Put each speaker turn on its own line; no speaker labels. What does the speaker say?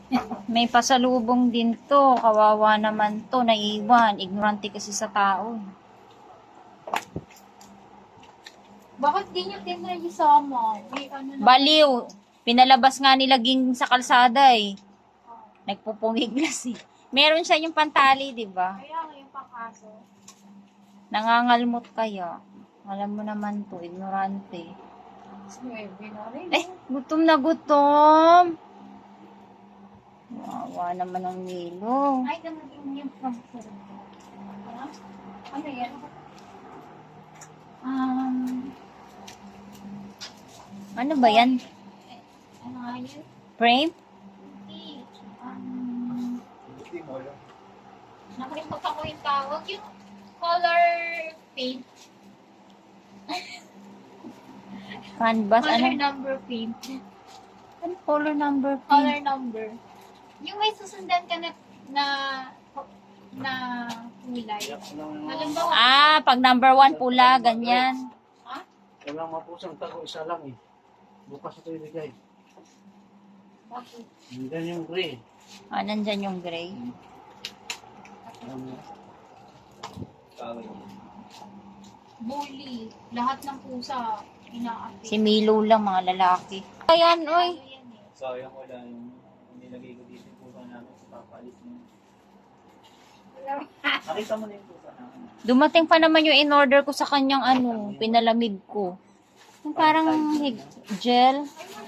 May pasalubong din to. Kawawa naman to. Naiwan. Ignorante kasi sa tao.
Bakit di nyo tinayisama? May ano na.
Baliw. Pinalabas nga nila ging sa kalsada eh. Nagpupumiglas eh. Meron siya yung pantali, di ba?
Kaya ngayon pakaso.
Nangangalmot kaya. Alam mo naman to, ignorante.
Snuebe na rin.
Eh, gutom na gutom. Wawa naman ang Milo.
Ay, naman yung pagkakas. Ano yan?
Ano ba yan?
Ano nga yun?
Frame?
Nakalimutan ko yung tawag. Yung color paint.
Canvas?
Color
Ano?
number paint.
Ano color number?
Color number. Yung may susundan ka na kulay. Halimbawa,
Ah, pag number 1 pula, ganyan.
Walang mapusang tago, isa lang eh. Bukas ito ibigay.
bakit?
Nandiyan yung gray.
Ah, nandyan yung gray.
Bully. Lahat ng pusa. Inaapit.
Si Milo lang, mga lalaki. Ayan, oy.
Sayang wala yung nilagay ko dito yung pusa namin. Papalit mo. Nakita mo na yung pusa namin.
Dumating pa naman yung in-order ko sa kanyang ano, pinalamig ko. Yung parang gel.
Ay,